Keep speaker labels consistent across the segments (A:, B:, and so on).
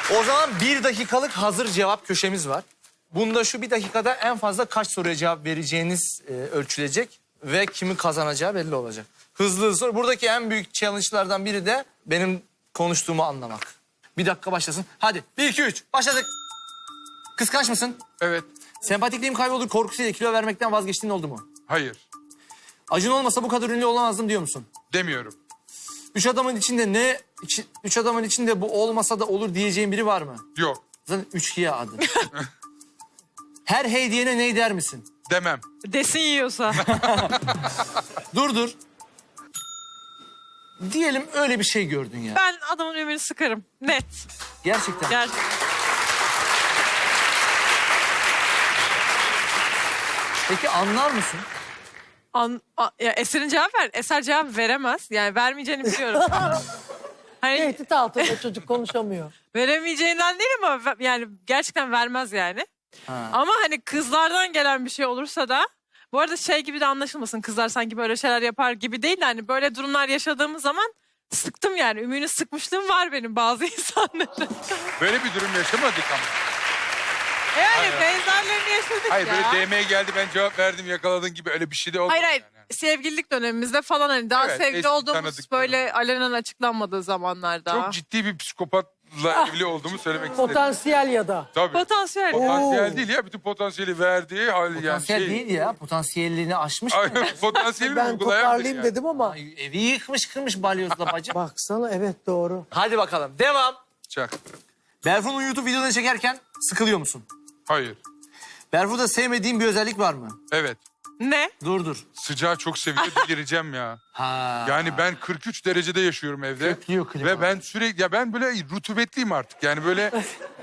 A: O zaman 1 dakikalık hazır cevap köşemiz var. Bunda şu 1 dakikada en fazla kaç soruya cevap vereceğiniz ölçülecek ve kimin kazanacağı belli olacak. Hızlı soru. Buradaki en büyük challenge'lardan biri de benim konuştuğumu anlamak. 1 dakika başlasın. Hadi 1, 2, 3 başladık. Kıskanç mısın?
B: Evet.
A: Sempatikliğim kayboldu, korkusuyla kilo vermekten vazgeçtiğin oldu mu?
B: Hayır.
A: Acun olmasa bu kadar ünlü olamazdım diyor musun?
B: Demiyorum.
A: Üç adamın içinde bu olmasa da olur diyeceğin biri var mı?
B: Yok.
A: Zaten 3 hiye adı. Her hey diyene ney der misin?
B: Demem.
C: Desin yiyorsa.
A: Dur. Diyelim öyle bir şey gördün ya.
C: Ben adamın ümünü sıkarım. Net.
A: Gerçekten.
C: Gerçekten.
A: Peki anlar mısın?
C: Ya Eser'in cevap ver. Eser cevap veremez. Yani vermeyeceğini biliyorum. Hani
D: Tehdit altında çocuk konuşamıyor.
C: veremeyeceğinden değil ama yani gerçekten vermez yani.
A: Ha.
C: Ama hani kızlardan gelen bir şey olursa da bu arada şey gibi de anlaşılmasın, kızlar sanki böyle şeyler yapar gibi değil de hani böyle durumlar yaşadığımız zaman sıktım yani. Ümüğünü sıkmışlığım var benim bazı insanların.
B: Böyle bir durum yaşamadık ama.
C: Yani
B: Hayır.
C: benzerlerini yaşadık
B: Hayır
C: ya.
B: böyle DM'ye geldi ben cevap verdim yakaladın gibi öyle bir şey de olmadı.
C: Hayır.
B: Yani.
C: Sevgililik dönemimizde falan hani daha
B: Evet,
C: sevgili
B: eski
C: olduğumuz
B: tanıdık
C: böyle alenen açıklanmadığı zamanlarda.
B: Çok ciddi bir psikopatla evli olduğumu söylemek istedim.
D: Potansiyel ya da.
B: Tabii.
C: Potansiyel.
B: Potansiyel değil ya bütün potansiyeli verdiği hal yani
A: Potansiyel
B: şey.
A: değil ya. Potansiyelliğini aşmış.
B: Ay, potansiyeli
D: Ben
B: uygulayan
D: toparlayayım
B: yani.
D: dedim ama.
A: Ay, evi yıkmış kırmış balyozla bacım.
D: Baksana evet doğru.
A: Hadi bakalım devam.
B: Çak.
A: Berfu'nun YouTube videolarını çekerken sıkılıyor musun?
B: Hayır.
A: Berfu'da sevmediğin bir özellik var mı?
B: Evet.
C: Ne?
A: Dur.
B: Sıcağı çok seviyor delireceğim ya.
A: Ha.
B: Yani ben 43 derecede yaşıyorum evde.
A: Köklüyor klima.
B: Ve ben sürekli ya ben böyle rutubetliyim artık. Yani böyle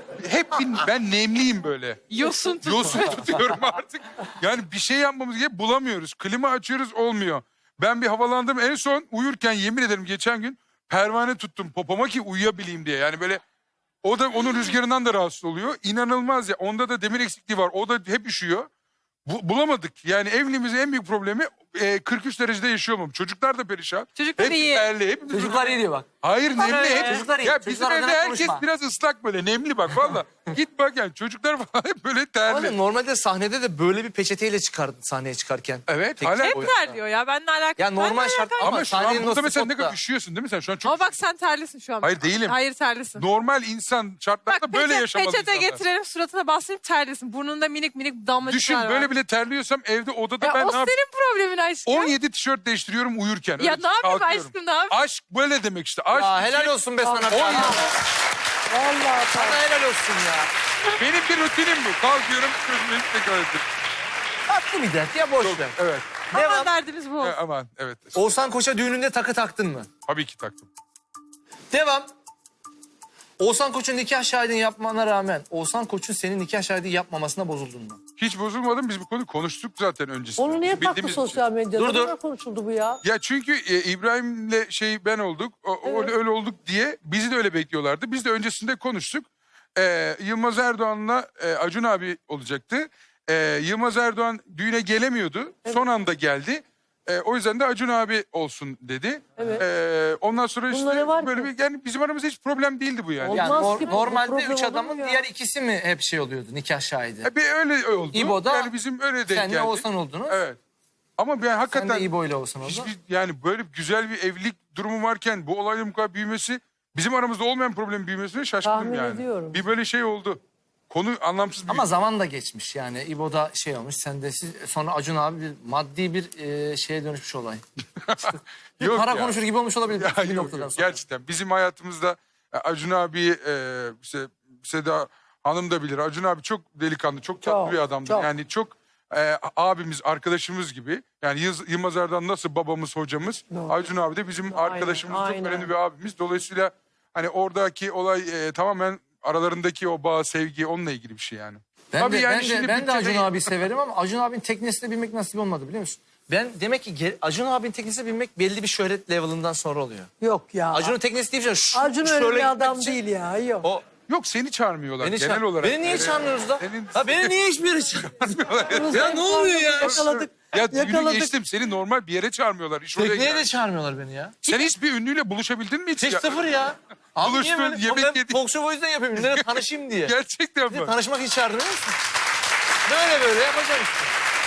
B: ben nemliyim böyle.
C: Yosun tut.
B: Yosun tutuyorum artık. Yani bir şey yapmamız gerekiyor bulamıyoruz. Klima açıyoruz olmuyor. Ben bir havalandım en son uyurken yemin ederim geçen gün pervane tuttum popoma ki uyuyabileyim diye. Yani böyle o da onun rüzgarından da rahatsız oluyor. İnanılmaz ya. Onda da demir eksikliği var. O da hep üşüyor. Bulamadık. Yani evliliğimizin en büyük problemi 43 derecede yaşıyor olmam. Çocuklar da perişan.
C: Çocuklar
B: Hepsi
C: iyi.
B: terli. Hepimiz
A: Çocuklar iyi diyor bak.
B: Hayır nemli.
C: öyle.
B: Hep,
A: Çocuklar iyi.
B: ya bizim
A: Çocuklar
B: evde
A: adına
B: herkes
A: konuşma.
B: biraz ıslak böyle. Nemli bak valla. Git bak yani çocuklar falan hep böyle terli.
A: Ama normalde sahnede de böyle bir peçeteyle çıkardın sahneye çıkarken.
B: Evet
A: Peki,
B: hala.
C: Hep terliyor ya. Benimle alakalı.
A: Ya normal
C: Benimle
A: şart
C: alakalı.
A: ama
B: Ama şu an
A: sahnenin o
B: burada mesela ne
A: spotta-
B: kadar üşüyorsun değil mi sen? Şu an çok
C: Ama bak sen terlisin şu an.
B: Hayır, değilim.
C: Hayır terlisin.
B: normal insan şartlarda
C: Bak
B: böyle yaşamalı
C: peçete
B: insanlar.
C: getirelim suratına basayım terlisin. Burnunda minik minik damlacıklar
B: Düşün
C: var.
B: böyle bile terliyorsam evde odada
C: Ya
B: ben
C: o
B: ne yap-
C: senin problemin aşkım.
B: 17 tişört değiştiriyorum uyurken.
C: Ya
B: Öyle
C: ne yapayım
B: kalkıyorum.
C: aşkım, ne yapayım?
B: Aşk böyle demek işte. Aşk
A: Ya
B: için
A: helal olsun be sana.
B: 17.
D: Vallahi
A: Sana helal olsun ya.
B: Benim bir rutinim bu. Kalkıyorum sözümü tekrar ediyorum.
A: Tatlı bir dert ya boş ver.
B: Evet.
C: Ama
A: Devam.
C: derdimiz bu.
B: Aman evet.
A: Oğuzhan Koç'a düğününde takı taktın mı?
B: Tabii ki taktım.
A: Devam. Oğuzhan Koç'un nikah şahidini yapmana rağmen Oğuzhan Koç'un senin nikah şahidi yapmamasına bozuldun mu?
B: Hiç bozulmadım. Biz bu konuyu konuştuk zaten öncesinde.
D: Onu niye taktı
B: Bildiğimiz için.
D: sosyal medyada?
A: Dur, dur.
D: Ne kadar konuşuldu bu ya?
B: Ya çünkü İbrahim'le ben olduk. Öyle olduk diye bizi de öyle bekliyorlardı. Biz de öncesinde konuştuk. Yılmaz Erdoğan'la Acun abi olacaktı. Yılmaz Erdoğan düğüne gelemiyordu. Son anda geldi. O yüzden de Acun abi olsun dedi.
D: Evet.
B: Ondan sonra
D: Bunda ne
B: işte
D: var
B: böyle
D: ki?
B: bir yani bizim aramızda hiç problem değildi bu yani.
D: Olmaz
A: Yani
D: ki bu
A: normalde
D: problem
A: 3
D: olur
A: adamın
D: mu ya?
A: diğer ikisi mi hep şey oluyordu nikah şahidi?
B: Bir öyle oldu.
A: İbo'da
B: yani bizim öyle denk
A: Senle
B: geldi.
A: Oğuzhan oldunuz.
B: Evet. Ama ben
A: Sen
B: hakikaten
A: de İbo ile Oğuzhan oldun.
B: hiçbir yani böyle güzel bir evlilik durumu varken bu olayın bu kadar büyümesi bizim aramızda olmayan problemin büyümesine şaşkınım
D: Tahmin
B: yani.
D: ediyorum.
B: Bir böyle şey oldu. Konu anlamsız bir
A: Ama zaman da geçmiş yani. İbo'da şey olmuş. Sen de sonra Acun abi bir maddi bir şeye dönüşmüş olay.
B: Yok
A: Para
B: ya.
A: konuşur gibi olmuş olabilir
B: Ya
A: bir
B: yok,
A: noktadan
B: yok.
A: sonra.
B: Gerçekten bizim hayatımızda Acun abi işte Seda Hanım da bilir. Acun abi çok delikanlı, çok tatlı
D: Çok,
B: bir adamdır.
D: çok.
B: Yani çok abimiz, arkadaşımız gibi. Yani Yılmaz Erdoğan nasıl babamız, hocamız.
D: Doğru.
B: Acun abi de bizim arkadaşımız, çok
D: aynen.
B: önemli bir abimiz. Dolayısıyla hani oradaki olay tamamen aralarındaki o bağ, sevgi onunla ilgili bir şey yani.
A: Ben
B: Tabii
A: de,
B: yani
A: ben de,
B: şimdi
A: ben de Acun
B: bütçeyi-
A: abi severim ama Acun abinin teknesine binmek nasip olmadı biliyor musun? Ben demek ki Acun abinin teknesine binmek belli bir şöhret level'ından sonra oluyor.
D: Yok ya.
A: Acun'un teknesi değil mi?
D: Acun öyle
A: şöyle
D: bir
A: gitmek
D: adam
A: için-
D: değil ya. Yok.
A: O
B: Yok seni çağırmıyorlar
A: beni
B: genel olarak.
A: Beni niye çağırmıyoruz da?
B: Senin-
A: Ha beni niye hiçbir yere çağırmıyorlar? Ya ne oluyor ya?
D: Yakaladık.
B: Ya düğünü
D: Yakaladık.
B: geçtim seni normal bir yere çağırmıyorlar. İş oraya
A: Tekneye
B: geldi.
A: de çağırmıyorlar beni ya.
B: Sen hiç bir ünlüyle buluşabildin mi hiç?
A: Hiç
B: ya?
A: sıfır ya. Abi niye
B: buluştun,
A: böyle? Oğlum
B: yemek
A: ben
B: yedik.
A: talk show o yüzden yapıyorum. Ünlülerle tanışayım diye.
B: Gerçekten
A: Bir de
B: mi?
A: tanışmak için çağırdım biliyor musun? Böyle yapacağım işte.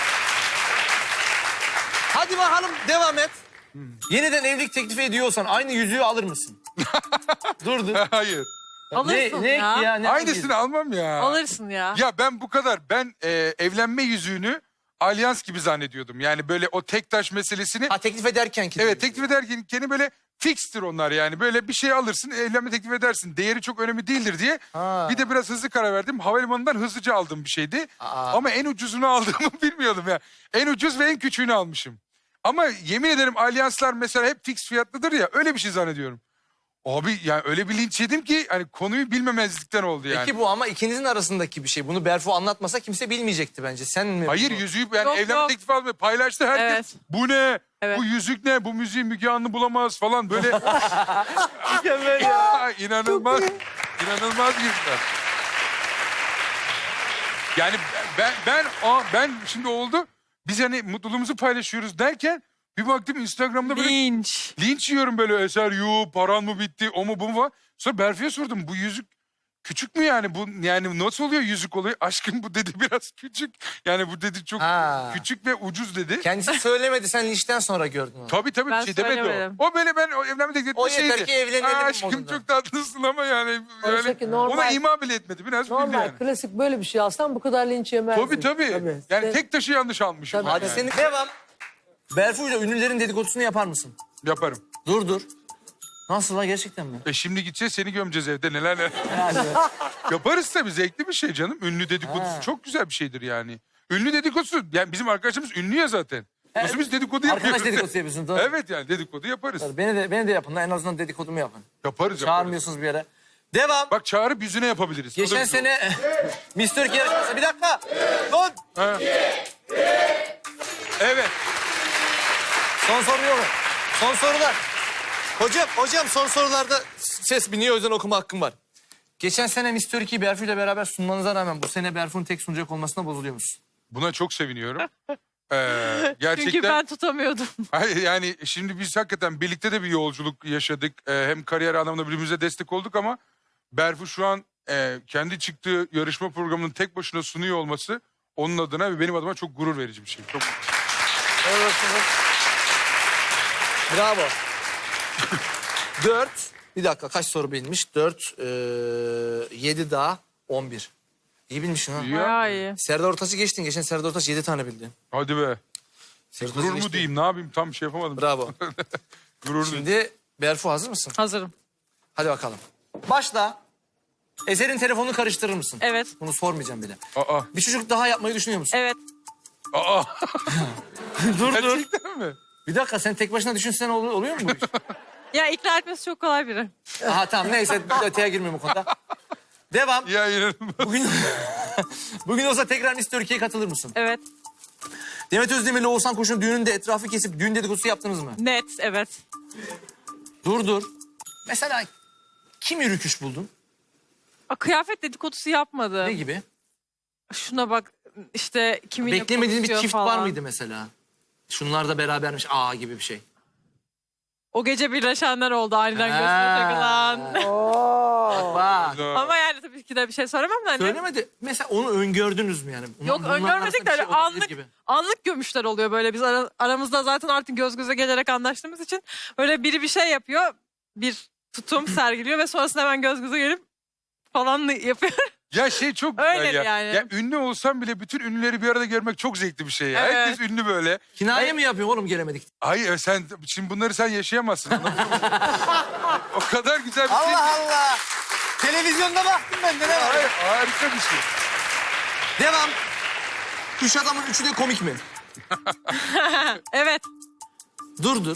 A: Hadi bakalım devam et. Yeniden evlilik teklifi ediyorsan aynı yüzüğü alır mısın? dur.
B: Hayır.
C: Alırsın
A: Ne
C: ya.
A: Ne
B: Aynısını almam ya.
C: Alırsın ya.
B: Ya ben bu kadar. Ben evlenme yüzüğünü alyans gibi zannediyordum. Yani böyle o tek taş meselesini.
A: Ha teklif ederken ki.
B: Evet, teklif ederken böyle fikstir onlar yani. Böyle bir şey alırsın, evlenme teklif edersin. Değeri çok önemli değildir diye.
A: Ha.
B: Bir de biraz hızlı karar verdim. Havalimanından hızlıca aldığım bir şeydi.
A: Aa.
B: Ama en ucuzunu aldığımı bilmiyordum ya. En ucuz ve en küçüğünü almışım. Ama yemin ederim alyanslar mesela hep fix fiyatlıdır ya. Öyle bir şey zannediyorum. Abi yani öyle bir linç yedim ki hani konuyu bilmemezlikten oldu yani.
A: Peki bu ama ikinizin arasındaki bir şey. Bunu Berfu anlatmasa kimse bilmeyecekti bence. Sen mi?
B: Hayır, yüzüğü yani
C: Yok,
B: evlenme
C: yok.
B: teklifi almayı paylaştı herkes.
C: Evet.
B: Bu ne?
C: Evet.
B: Bu yüzük ne? Bu müziği Müge Anlı bulamaz falan böyle.
A: Mükemmel ya.
B: İnanılmaz. İnanılmaz girdiler. Yani ben şimdi oldu. Biz hani mutluluğumuzu paylaşıyoruz derken bir baktım Instagram'da böyle linç yiyorum böyle Eser paran mı bitti o mu bu mu var. Sonra Berfi'ye sordum bu yüzük küçük mü yani bu yani nasıl oluyor yüzük oluyor? Aşkım bu dedi biraz küçük. Yani bu dedi çok
A: Ha.
B: küçük ve ucuz dedi.
A: Kendisi söylemedi. Sen linçten sonra gördün onu.
B: Tabii
C: Ben
B: bir şey demedi
C: söylemedim.
B: o. O böyle ben o evlenme teklif
A: O
B: ettiği
A: yeter
B: şeydi.
A: ki evlenelim
B: Aşkım
A: modunda.
B: çok tatlısın ama yani
D: Oysa
B: öyle,
D: ki normal-
B: ona ima bile etmedi biraz bildi
D: Normal
B: yani.
D: klasik böyle bir şey alsan bu kadar linç yemezdin.
B: Tabii. Yani
D: Sen-
B: tek taşı yanlış almışım.
D: Tabii.
B: ben
A: Hadi
B: yani.
A: senin devam. Berfu'yla ünlülerin dedikodusunu yapar mısın?
B: Yaparım.
A: Dur. Nasıl la gerçekten mi?
B: Şimdi gideceğiz seni gömeceğiz evde neler. Yaparız tabii zevkli bir şey canım. Ünlü dedikodusu çok güzel bir şeydir yani. Ünlü dedikodusu yani bizim arkadaşımız ünlü ya zaten. Nasıl biz dedikodu yapıyoruz?
A: Arkadaş dedikodusu yapıyorsun. Doğru.
B: Evet yani dedikodu yaparız.
A: Beni de yapın. En azından dedikodumu yapın.
B: Yaparız.
A: Çağırmıyorsunuz bir yere. Devam.
B: Bak çağırıp yüzüne yapabiliriz. O da
A: Geçen
B: güzel.
A: sene Mr. Türkiye yarışması. Bir dakika. Son.
B: Ha. Evet.
A: Son soru yok mu? Son sorular. Hocam son sorularda ses biniyor o yüzden okuma hakkım var. Geçen sene Mr. Türkiye'yi Berfu ile beraber sunmanıza rağmen bu sene Berfu'nun tek sunacak olmasına bozuluyor musun?
B: Buna çok seviniyorum. Gerçekten.
C: Çünkü ben tutamıyordum.
B: Hayır yani şimdi biz hakikaten birlikte de bir yolculuk yaşadık. Hem kariyer anlamında birbirimize destek olduk ama Berfu şu an kendi çıktığı yarışma programının tek başına sunuyor olması onun adına ve benim adıma çok gurur verici bir şey. Çok
A: Bravo. 4. Bir dakika kaç soru bilmiş? 4, 7 daha 11. İyi bilmişsin ha.
B: iyi ya.
C: Bayağı iyi.
A: Serdar Ortaç'ı geçtin. Geçen Serdar Ortaç 7 tane bildi.
B: Hadi be.
A: Serdar
B: Gurur
A: Ortaç'ı
B: mu
A: geçti.
B: diyeyim ne yapayım tam şey yapamadım.
A: Bravo.
B: Gurur diyeyim.
A: Şimdi Berfu hazır mısın?
C: Hazırım.
A: Hadi bakalım. Başla. Eser'in telefonunu karıştırır mısın?
C: Evet.
A: Bunu sormayacağım bile.
B: Aa.
A: Bir çocuk daha yapmayı düşünüyor musun?
C: Evet.
B: Aa.
A: Dur.
B: Gerçekten mi?
A: Bir dakika sen tek başına düşünsen oluyor mu bu iş?
C: Ya ikna etmesi çok kolay biri.
A: Aha tamam neyse öteye girmiyorum bu konuda. Devam.
B: Ya inanılmaz.
A: Bugün olsa tekrar Miss Türkiye'ye katılır mısın?
C: Evet.
A: Demet Özdemir ile Oğuzhan Koç'un düğününde etrafı kesip düğün dedikodusu yaptınız mı?
C: Net. Evet.
A: Dur. Mesela kimi rüküş buldun?
C: Kıyafet dedikodusu yapmadı.
A: Ne gibi?
C: Şuna bak işte kiminle
A: Beklemediğin bir
C: konuşuyor
A: çift
C: falan.
A: var mıydı mesela? Şunlar da berabermiş gibi bir şey.
C: O gece birleşenler oldu aniden gözüme takılan.
D: Oo.
A: Bak.
C: Ama yani tabii ki de bir şey söylemem de hani.
A: Söylemedi. Mesela onu öngördünüz mü yani?
C: Yok
A: Bunların
C: öngörmedik de
A: arasında bir
C: öyle
A: şey olabilir gibi.
C: anlık gömüşler oluyor böyle. Biz aramızda zaten artık göz göze gelerek anlaştığımız için böyle biri bir şey yapıyor. Bir tutum sergiliyor ve sonrasında hemen göz göze gelip falan yapıyor.
B: Ya şey çok
C: Öyle
B: güzel ya.
C: yani.
B: Ya ünlü olsam bile bütün ünlüleri bir arada görmek çok zevkli bir şey ya.
C: Evet.
B: Herkes ünlü böyle.
A: Kinaye mi yapıyor oğlum gelemedik?
B: Hayır sen şimdi bunları sen yaşayamazsın. O kadar güzel bir şey.
A: Allah. Televizyonda baktım ben de ne var?
B: Hayır, harika bir şey.
A: Devam. Üç adamın üçü de komik mi?
C: Evet.
A: Dur.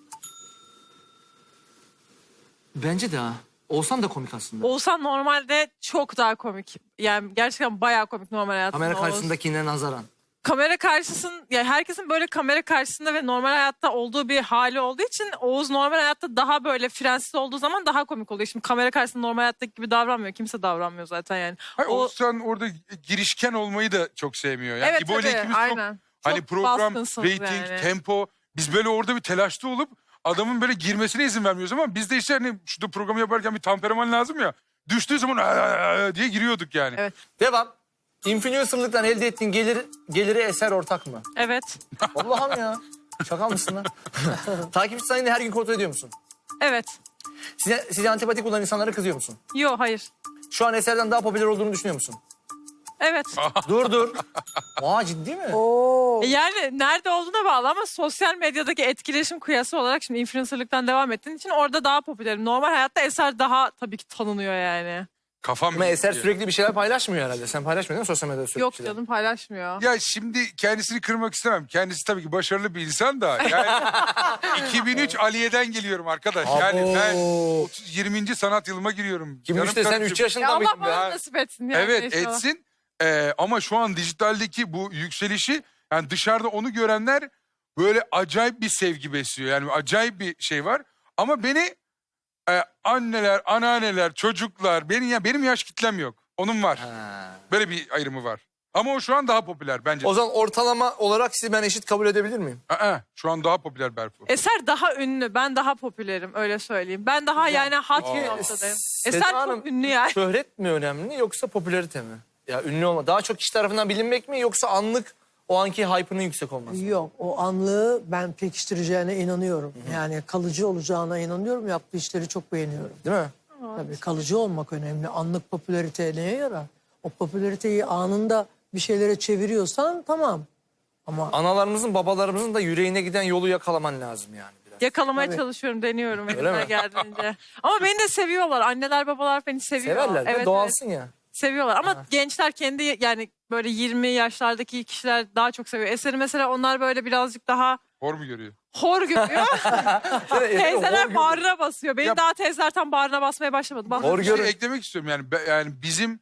A: Bence de ha. Olsan da komik aslında.
C: Oğuzhan normalde çok daha komik. Yani gerçekten bayağı komik normal hayatında.
A: Kamera
C: Oğuz.
A: karşısındakine nazaran.
C: Kamera karşısın ya herkesin böyle kamera karşısında ve normal hayatta olduğu bir hali olduğu için Oğuz normal hayatta daha böyle frensiz olduğu zaman daha komik oluyor. Şimdi kamera karşısında normal hayattaki gibi davranmıyor. Kimse davranmıyor zaten yani.
B: Hayır, Oğuzhan orada girişken olmayı da çok sevmiyor. Yani
C: Evet
B: İbo ile
C: tabii
B: ikimiz
C: aynen.
B: çok hani
C: Çok
B: program,
C: baskınsınız
B: rating,
C: yani.
B: tempo. Biz böyle orada bir telaşta olup adamın böyle girmesine izin vermiyoruz ama biz de işte hani şurada programı yaparken bir temperaman lazım ya. Düştüğü zaman diye giriyorduk yani.
C: Evet.
A: Devam. Influencer'lıktan elde ettiğin geliri Eser ortak mı?
C: Evet.
A: Allah'ım ya. Şaka mısın lan? Takipçi sayını her gün kontrol ediyor musun?
C: Evet.
A: Size antipatik olan insanlara kızıyor musun?
C: Yo hayır.
A: Şu an Eser'den daha popüler olduğunu düşünüyor musun?
C: Evet.
A: Dur. Aa, ciddi mi?
D: Oo.
C: Yani nerede olduğuna bağlı ama sosyal medyadaki etkileşim kıyası olarak şimdi influencerlıktan devam ettiğin için orada daha popülerim. Normal hayatta Eser daha tabii ki tanınıyor yani.
B: Kafam
A: Ama Eser
B: gitti.
A: sürekli bir şeyler paylaşmıyor herhalde. Sen paylaşmıyor değil mi sosyal medyada sürekli
C: Yok
A: bir şeyler?
C: canım paylaşmıyor.
B: Ya şimdi kendisini kırmak istemem. Kendisi tabii ki başarılı bir insan da. Yani 2003 Aliye'den geliyorum arkadaş. Yani ben 20. sanat yılıma giriyorum.
A: Kim
B: Canım
A: işte sen
B: karıcığım.
A: 3
C: Ya
A: yaşında
C: Allah
A: mıydın be?
C: bana nasip etsin yani.
B: Evet
C: inşallah.
B: etsin. Ama şu an dijitaldeki bu yükselişi yani dışarıda onu görenler böyle acayip bir sevgi besliyor. Yani acayip bir şey var. Ama beni anneler, anneanneler, çocuklar benim yaş kitlem yok. Onun var.
A: Ha.
B: Böyle bir ayrımı var. Ama o şu an daha popüler bence.
A: O zaman ortalama olarak sizi ben eşit kabul edebilir miyim?
B: Şu an daha popüler Berfu.
C: Eser daha ünlü. Ben daha popülerim öyle söyleyeyim. Ben daha yani hat bir noktadayım.
A: Seda
C: Eser
A: Hanım,
C: çok ünlü yani.
A: Şöhret mi önemli yoksa popülarite mi? Ya ünlü olma. Daha çok kişi tarafından bilinmek mi yoksa anlık o anki hype'ının yüksek olması mı?
D: Yok, o anlığı ben pekiştireceğine inanıyorum. Yani kalıcı olacağına inanıyorum. Yaptığı işleri çok beğeniyorum.
A: Değil mi?
D: Tabii kalıcı olmak önemli. Anlık popülarite neye yarar? O popülariteyi anında bir şeylere çeviriyorsan tamam. Ama
A: Analarımızın, babalarımızın da yüreğine giden yolu yakalaman lazım yani biraz.
C: Yakalamaya
D: Tabii.
C: çalışıyorum, deniyorum
A: Öyle
C: elimden
A: mi?
C: geldiğince. Ama beni de seviyorlar. Anneler, babalar beni seviyor.
A: Severler
C: Evet,
A: ve doğalsın ya.
C: seviyorlar. Ama gençler kendi yani böyle 20 yaşlardaki kişiler daha çok seviyor. Eser'i mesela onlar böyle birazcık daha
B: Hor mu görüyor?
C: hor görüyor. Teyzeler
A: Hor
C: bağrına basıyor. Benim
B: Ya-
C: daha teyzeler tam bağrına basmaya başlamadı. Bak.
A: Hor
B: Bir şey
A: görün.
B: eklemek istiyorum yani yani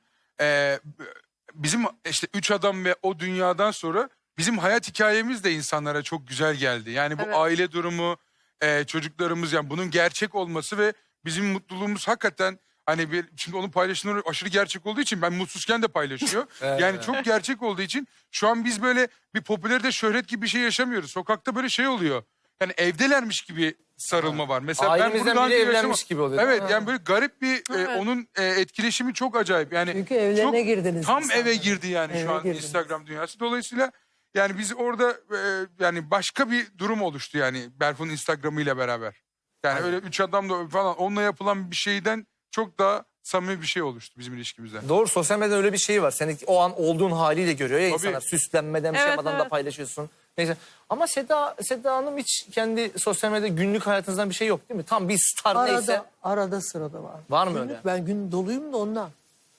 B: bizim işte üç adam ve o dünyadan sonra bizim hayat hikayemiz de insanlara çok güzel geldi. Yani bu
C: Evet.
B: aile durumu, çocuklarımız yani bunun gerçek olması ve bizim mutluluğumuz hakikaten hani şimdi onu paylaşımları aşırı gerçek olduğu için ben mutsuzken de paylaşıyor. Yani çok gerçek olduğu için şu an biz böyle bir popülerite şöhret gibi bir şey yaşamıyoruz. Sokakta böyle şey oluyor. Yani evdelermiş gibi sarılma var. Mesela ben
A: Ailemizden
B: bunu daha
A: biri
B: önce
A: evlenmiş
B: yaşamadım.
A: gibi oluyor.
B: Evet
A: Ha.
B: yani böyle garip bir
C: Evet.
B: onun etkileşimi çok acayip. Yani
D: çünkü evlerine girdiniz.
B: tam
D: insanlar.
B: eve girdi yani
D: Eve
B: şu an
D: girdiniz.
B: Instagram dünyası. Dolayısıyla yani biz orada yani başka bir durum oluştu yani Berfu'nun Instagram'ı ile beraber. Yani öyle üç adamla falan onunla yapılan bir şeyden çok daha samimi bir şey oluştu bizim ilişkimizde.
A: Doğru, sosyal medyada öyle bir şey var. Seni o an olduğun haliyle görüyor ya
B: Tabii.
A: insanlar. Süslenmeden bir şey
C: Evet,
A: yapmadan da
C: evet.
A: paylaşıyorsun. Neyse. Ama Seda Hanım hiç kendi sosyal medyada günlük hayatınızdan bir şey yok değil mi? Tam bir star neyse.
D: Arada sırada var.
A: Var mı
D: Günlük
A: öyle?
D: Ben gün doluyum da ondan.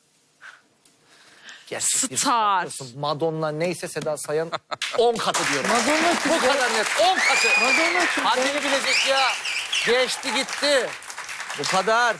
A: Gerçek bir
C: Star.
A: diyorsun. Madonna neyse Seda Sayan 10 katı diyorum.
D: Madonna
A: Bu kadar net 10 katı.
D: Madonna kim?
A: Haddini bilecek ya. Geçti gitti. Bu kadar.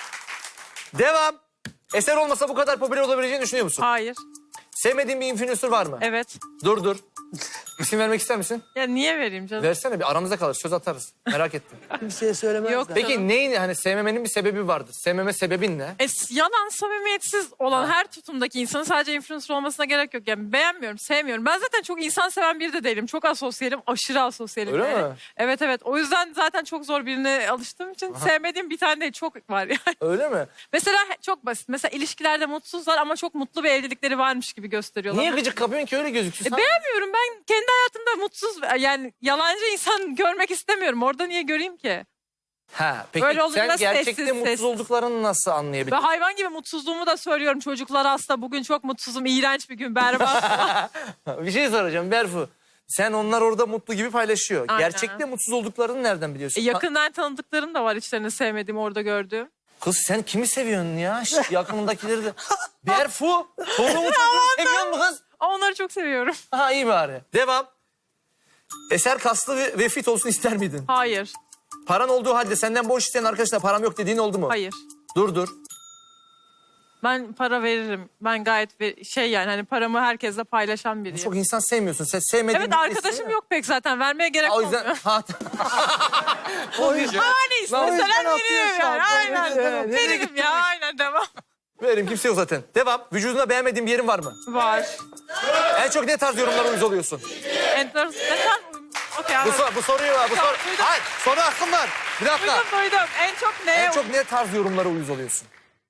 A: Devam. Eser olmasa bu kadar popüler olabileceğini düşünüyor musun?
C: Hayır.
A: Sevmediğin bir influencer var mı?
C: Evet.
A: Dur. İsim vermek ister misin?
C: Ya niye vereyim canım?
A: Versene, bir aramızda kalır, söz atarız. Merak ettim.
D: Kimseye söylemezler.
C: Yok.
A: Peki neyin, hani sevmemenin bir sebebi vardır. Sevmeme sebebin ne?
C: Yalan, samimiyetsiz olan her tutumdaki insanın sadece influencer olmasına gerek yok. Yani beğenmiyorum, sevmiyorum. Ben zaten çok insan seven biri de değilim. Çok asosyalim, aşırı asosyalim.
A: Öyle
C: yani.
A: mi?
C: Evet. O yüzden zaten çok zor birine alıştığım için sevmediğim bir tane değil, çok var yani.
A: Öyle mi?
C: Mesela çok basit. Mesela ilişkilerde mutsuzlar ama çok mutlu bir evlilikleri varmış gibi gösteriyorlar.
A: Niye gıcık kapıyorsun ki öyle gözüksün? Sen-
C: Beğenmiyorum. Ben kendi hayatımda mutsuz yani yalancı insan görmek istemiyorum. Orada niye göreyim ki?
A: Ha, peki
C: Öyle olunca
A: sen gerçekte
C: sessiz,
A: mutsuz
C: sessiz.
A: olduklarını nasıl
C: Ve
A: anlayabilirsin?
C: hayvan gibi mutsuzluğumu da söylüyorum. Çocuklar hasta. Bugün çok mutsuzum. İğrenç bir gün. Berbat.
A: Bir şey soracağım Berfu. Sen onlar orada mutlu gibi paylaşıyor.
C: Aynen.
A: Gerçekte mutsuz olduklarını nereden biliyorsun?
C: Yakından tanıdıklarım da var içlerini sevmediğim orada gördüğüm.
A: Kız sen kimi seviyorsun ya? Şş, yakınındakileri de. Berfu, çoluğumu çocuğumu seviyor musun kız?
C: Ama onları çok seviyorum.
A: Ha, iyi bari. Devam. Eser kaslı ve fit olsun ister miydin?
C: Hayır.
A: Paran olduğu halde senden borç isteyen arkadaşına param yok dediğin oldu mu?
C: Hayır.
A: Dur.
C: Ben para veririm. Ben gayet yani hani paramı herkesle paylaşan biriyim.
A: Çok insan sevmiyorsun. Sen sevmediğin
C: Evet,
A: birini
C: arkadaşım
A: istiyor
C: yok pek zaten. Vermeye gerek
A: ya. O yüzden...
C: olmuyor.
A: Ha,
D: O yüzden
C: Hani
D: O yüzden
C: isteseler
D: atıyor
C: veririm
D: şu an.
C: yani. Aynen.
D: Evet.
C: Veririm ya. Aynen, devam.
A: verim, kimse yok zaten. Devam. Vücudunda beğenmediğin bir yerin var mı?
C: Var.
A: En çok ne tarz yorumlara uyuz oluyorsun?
C: Enteresan. Okey,
A: Bu,
C: anladım.
A: bu soruyu var.
C: Tamam, duydum.
A: Hayır, soru hakkım var. Bir dakika.
C: Duydum. En çok neye
A: En çok ne tarz yorumlara uyuz oluyorsun?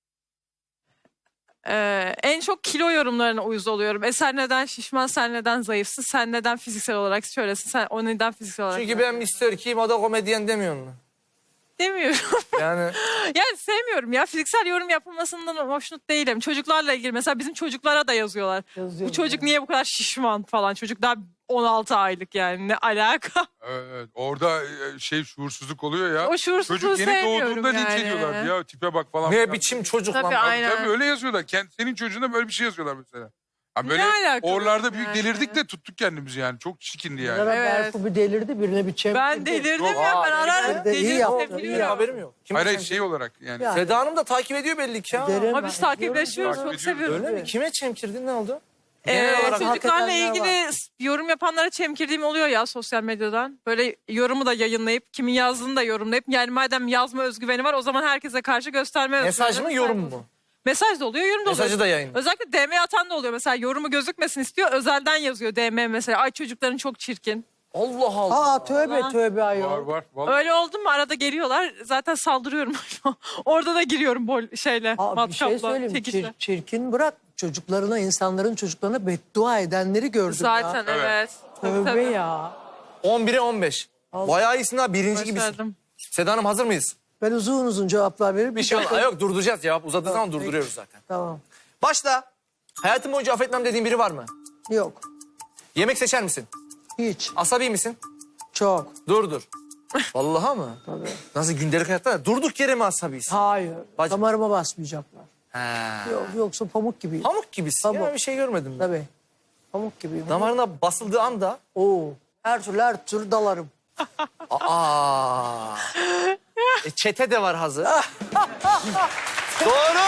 C: En çok kilo yorumlarına uyuz oluyorum. Sen neden şişman, sen neden zayıfsın, sen neden fiziksel olarak şöylesin, sen o neden fiziksel olarak
A: Çünkü ben Mr. Kim, o da komedyen demiyor mu?
C: demiyorum.
A: Yani
C: Yani sevmiyorum ya. Fiziksel yorum yapılmasından hoşnut değilim. Çocuklarla ilgili mesela bizim çocuklara da yazıyorlar. Bu çocuk niye bu kadar şişman falan. Çocuk daha 16 aylık yani ne alaka?
B: Evet, orada şuursuzluk oluyor ya.
C: O şuursuzluğu
B: Çocuk yeni
C: sevmiyorum
B: doğduğunda linç
C: yani.
B: ediyorlar. Ya tipe bak falan.
A: ne
B: filan.
A: biçim çocuk
C: Tabii,
A: lan.
C: aynen.
B: Tabii öyle yazıyorlar. Senin çocuğuna böyle bir şey yazıyorlar mesela. Ha böyle
C: Ne alakası
B: oralarda büyük
C: yani?
B: delirdik de tuttuk kendimizi yani. Çok çirkindi yani.
D: Zara
C: Evet.
D: Berfu bir delirdi, birine bir çemkirdi.
C: Ben delirdim
B: Yok,
C: ya. Ben
A: aa,
C: ararım.
D: delirdi. İyi
C: Delirdim,
D: yaptın, iyi
C: biliyorum.
A: Benim haberim yok. Kim
B: Hayır
A: bu
B: hayır
A: sen?
B: şey olarak yani.
D: Ya.
A: Seda Hanım da takip ediyor belli ki ya.
D: Derim
C: Ama biz
D: ben,
C: takipleşiyoruz.
B: Takip
C: Çok
B: ediyoruz.
C: seviyorum.
A: Öyle mi? Kime çemkirdin, ne oldu? Genel olarak
C: Çocuklarla
D: hak edenler
C: ilgili yorum yapanlara çemkirdiğim oluyor ya sosyal medyadan. Böyle yorumu da yayınlayıp, kimin yazdığını da yorumlayıp. Yani madem yazma özgüveni var o zaman herkese karşı gösterme özgüveni.
A: mesaj mı, yorum mu?
C: Mesaj da oluyor, yorum da oluyor.
A: Mesajı da yayınlıyor.
C: Özellikle DM atan da oluyor. Mesela yorumu gözükmesin istiyor. Özelden yazıyor DM mesela. Ay çocukların çok çirkin.
A: Allah Allah.
D: Aa tövbe tövbe
B: Var
D: ayol.
B: var. Vallahi.
C: Öyle oldu mu arada geliyorlar. Zaten saldırıyorum. Orada da giriyorum şeyle.
D: Aa, bir şey
C: matkapla,
D: söyleyeyim.
C: çekiçle.
D: Çirkin bırak. Çocuklarına, insanların çocuklarına beddua edenleri gördüm
C: Zaten
D: ya.
C: evet.
D: Tövbe ya.
A: 11'e 15. Bayağı iyisin ha, birinci gibisin.
C: Başardım.
A: Seda Hanım hazır mıyız?
D: Ben uzun uzun cevaplar veririm.
A: Bir şey olmaz. Yok, durduracağız, cevap uzadığı zaman
D: Peki.
A: durduruyoruz zaten.
D: Tamam.
A: Başla. Hayatım boyunca affetmem dediğin biri var mı?
D: Yok.
A: Yemek seçer misin?
D: Hiç.
A: Asabi misin?
D: Çok.
A: Dur. Vallahi mı?
D: Tabii.
A: Nasıl gündelik hayatta? Durduk yere mi asabiyisin?
D: Hayır.
A: Bacım.
D: Damarıma basmayacaklar.
A: He.
D: Yok, yoksa pamuk gibiyim.
A: Pamuk gibisin.
D: Pamuk.
A: Ya bir şey görmedim ben.
D: Tabii. Pamuk gibiyim.
A: Damarına basıldığı anda
D: Oo. Her türlü dalarım.
A: aa. Çete de var hazır. Doğru.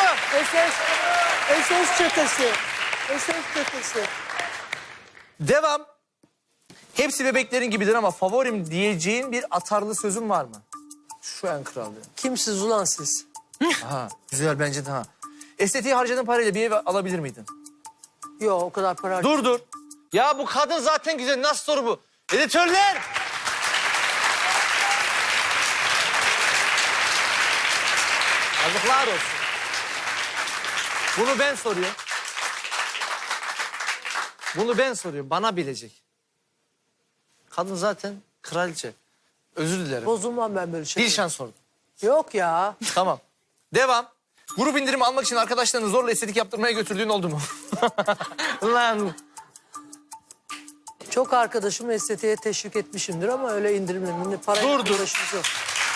D: SS çetesi. SS çetesi.
A: Devam. Hepsi bebeklerin gibidir ama favorim diyeceğin bir atarlı sözün var mı? Şu en kral diyor.
D: Kimsiz ulan siz?
A: Aha, güzel bence de ha. Estetiğe harcadığın parayla bir ev alabilir miydin?
D: Yok o kadar para.
A: Dur. Ya bu kadın zaten güzel. Nasıl soru bu? Editörler! Yazıklar olsun. Bunu ben soruyorum. Bana bilecek. Kadın zaten kraliçe. Özür dilerim.
D: Bozulmam ben böyle şey.
A: Dilşan sordu.
D: Yok ya.
A: Tamam. Devam. Grup indirimi almak için arkadaşlarını zorla estetik yaptırmaya götürdüğün oldu mu? Lan.
D: Çok arkadaşımı estetiğe teşvik etmişimdir ama öyle indirimlerinde parayla
A: Dur.
D: uğraşımız yok.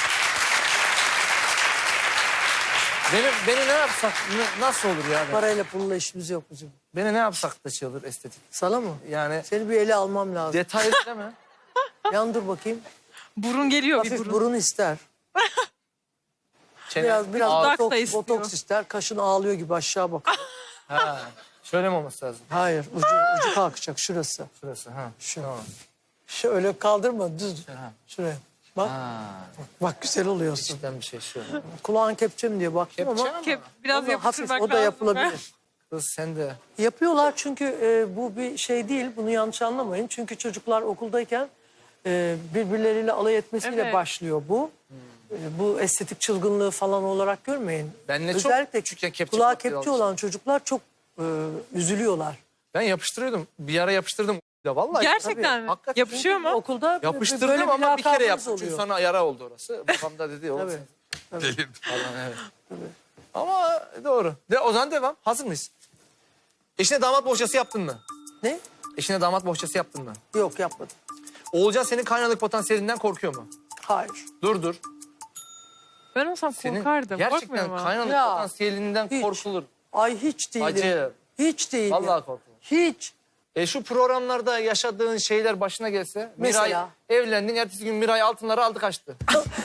A: Beni ne yapsak, nasıl olur ya?
D: Parayla pulla işimiz yok bizim.
A: Beni ne yapsak da şey olur estetik.
D: Sana mı?
A: Yani
D: Seni bir ele almam lazım.
A: detaylı değil mi?
D: Yan dur bakayım.
C: Burun geliyor bir
D: Hafif
C: burun.
D: burun ister.
A: Çene,
D: Biraz
C: Dudak da
D: botoks,
C: istiyor.
D: botoks ister. Kaşın ağlıyor gibi aşağı bak.
A: Ha, şöyle mi olması lazım?
D: Hayır ucu kalkacak şurası.
A: Şurası ha.
D: Şu.
A: Tamam.
D: Şöyle kaldırma düz.
A: Ha.
D: Şuraya. Bak,
A: Ha.
D: bak güzel oluyorsun.
A: İçten bir şey şu.
D: Kulağın kepçe mi diye baktım
A: Kepçe
D: ama
C: Kep, biraz
D: o da hafif
C: yapıştırmak
D: o da
C: lazım.
D: yapılabilir.
A: Kız sen de.
D: Yapıyorlar çünkü bu bir şey değil. Bunu yanlış anlamayın. Çünkü çocuklar okuldayken birbirleriyle alay etmesiyle
C: Evet.
D: başlıyor bu. Bu estetik çılgınlığı falan olarak görmeyin.
A: Ben ne çok
D: Özellikle
A: küçükken kepçe
D: kulağa
A: kokteyi
D: kepçe
A: almıştım.
D: olan çocuklar çok üzülüyorlar.
A: Ben yapıştırıyordum. Bir ara yapıştırdım. Da vallahi.
C: Gerçekten mi?
A: Hakikaten.
C: Yapışıyor mu?
D: Okulda böyle
A: Yapıştırdım ama bir kere
D: lakabınız
A: yaptım. Çünkü sonra yara oldu orası. Babam da dedi. Oğlum
D: Tabii.
A: sen
B: Delirdim.
A: falan evet. Ama doğru. O zaman devam. Hazır mıyız? Eşine damat bohçası yaptın mı?
D: Ne?
A: Eşine damat bohçası yaptın mı?
D: Yok yapmadım.
A: Oğulcan senin kaynanalık potansiyelinden korkuyor mu?
D: Hayır.
A: Dur.
C: Ben olsam
A: Senin
C: korkardım.
A: gerçekten
C: Korkmuyor mu?
A: kaynanalık
D: Ya,
A: potansiyelinden
D: hiç.
A: korkulur.
D: Ay hiç değilim.
A: Acı.
D: Hiç değilim.
A: Vallahi korkulur.
D: Hiç.
A: Şu programlarda yaşadığın şeyler başına gelse.
D: Mesela?
A: Miray evlendin, ertesi gün Miray altınları aldı kaçtı.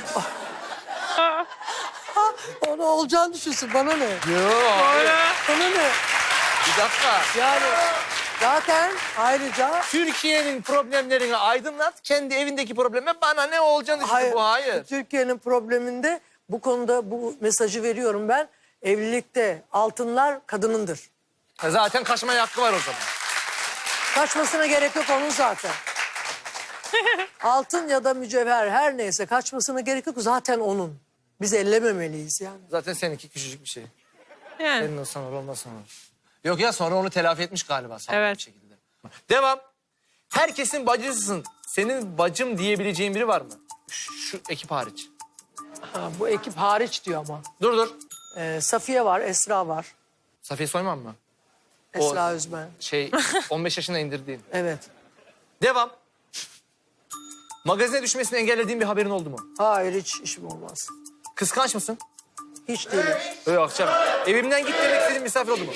D: Onu olacağını düşünsün. Bana ne?
A: Yok.
D: Bana ne?
A: Bir dakika.
D: Yani zaten ayrıca
A: Türkiye'nin problemlerini aydınlat, kendi evindeki probleme bana ne olacağını düşün. Bu hayır.
D: Türkiye'nin probleminde bu konuda bu mesajı veriyorum ben. Evlilikte altınlar kadınındır.
A: Zaten kaçmaya hakkı var o zaman.
D: Kaçmasına gerek yok onun zaten. Altın ya da mücevher her neyse kaçmasına gerek yok. Zaten onun. Biz ellememeliyiz yani.
A: Zaten seninki küçücük bir şey.
C: Yani.
A: Senin olsan olur, olmasan olur. Yok ya, sonra onu telafi etmiş galiba sağlıklı
C: Evet.
A: bir şekilde. Devam. Herkesin bacısısın. Senin bacım diyebileceğin biri var mı? Şu ekip hariç.
D: Ha, bu ekip hariç diyor ama.
A: Dur.
D: Safiye var, Esra var.
A: Safiye Soyman mı?
D: Esra
A: O-
D: Özmen.
A: 15 yaşında indirdiğin.
D: Evet.
A: Devam. Magazine düşmesini engellediğin bir haberin oldu mu?
D: Hayır, hiç işim olmaz.
A: Kıskanç mısın?
D: Hiç değilim.
A: Öyle akşam. Evimden git demek istediğin misafir oldu mu?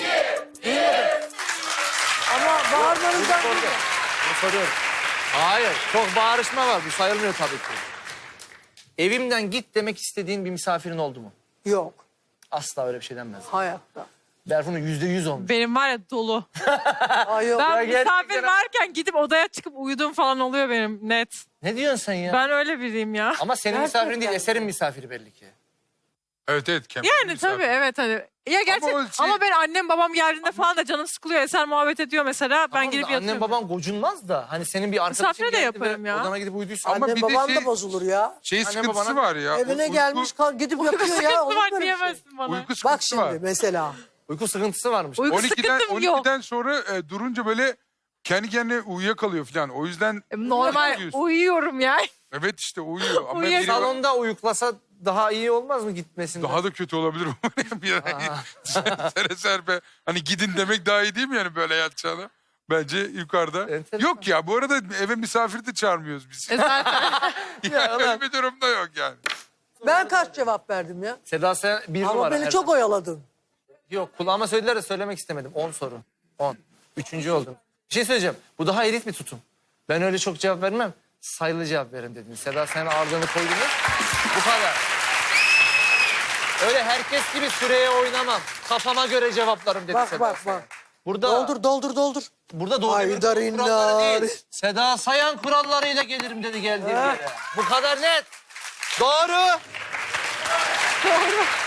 D: Ama bağırmanızdan
A: Sordu.
D: değil.
A: Bunu soruyorum. Hayır. Çok bağırışma var. Bu sayılmıyor tabii ki. Evimden git demek istediğin bir misafirin oldu mu?
D: Yok,
A: Asla öyle bir şey denmez.
D: hayatta.
A: Berfun'un %100 olmuş.
C: Benim var ya dolu.
D: Ay yok.
C: Ben
A: gerçekten-
C: misafir varken gidip odaya çıkıp uyuduğum falan oluyor benim net.
A: Ne diyorsun sen ya?
C: Ben öyle biriyim ya.
A: Ama senin
D: Gerçekten.
A: misafirin değil, Eser'in misafiri belli ki.
B: Evet.
C: Yani tabii evet hani. Ya gerçi
B: o
C: ama,
B: şey-
C: ben annem babam geldiğinde falan da canım sıkılıyor. Eser muhabbet ediyor mesela. Ben
A: Tamam da
C: girip yatıyorum.
A: Annem baban gocunmaz da hani senin bir arkadaşın
C: Misafire de
A: geldi ve
C: yaparım ya.
A: odana gidip uyuduysa.
B: Ama
D: Anne
B: bir de
D: baban
B: şey-
D: da bozulur ya.
B: Şey
A: Anne
B: sıkıntısı
A: babana-
B: var ya.
D: Evine
B: uyku-
D: gelmiş gidip yapıyor ya.
C: Sıkıntı
D: Olur
C: var
D: mu öyle şey?
C: diyemezsin bana.
B: Uyku
D: Bak
B: sıkıntısı
D: şimdi
B: var.
D: mesela.
A: Uyku sıkıntısı varmış.
C: Uyku
B: 12'den,
C: sıkıntım yok.
B: 12'den sonra durunca böyle kendi kendine uyuyakalıyor falan. O yüzden
C: Normal
B: uyuyorsun.
C: uyuyorum ya.
B: Evet işte uyuyor. Ama
C: Uyuyor.
B: biri var-
A: Salonda uyuklasa daha iyi olmaz mı gitmesinden?
B: daha da kötü olabilir. Bir sere serpe. Hani gidin demek daha iyi değil mi yani böyle yatacağına? Bence yukarıda.
A: Enteresan.
B: Yok ya bu arada eve misafir de çağırmıyoruz biz.
C: Zaten.
B: Yani öyle bir durumda yok yani.
D: Ben kaç cevap verdim ya?
A: Seda Sayan bir
D: Ama
A: numara.
D: beni
A: her
D: çok
A: zaman.
D: oyaladın.
A: Yok, kulağıma söylediler de söylemek istemedim. 10 soru. 10. 3. oldum. Bir şey söyleyeceğim. Bu daha elit bir tutum. Ben öyle çok cevap vermem. Sayılı cevap verin dediniz. Seda Sayan'a ağırlığını koydunuz. Bu kadar. Öyle herkes gibi süreye oynamam. Kafama göre cevaplarım dedi
D: Bak
A: Seda
D: bak
A: Sayan.
D: bak.
A: Burada
D: Doldur.
A: Burada Doğu
D: Ay,
A: Demirkol'un
D: darin
A: kuralları
D: nar.
A: değil. Seda Sayan kurallarıyla gelirim dedi geldiğim yere. Bu kadar net. Doğru.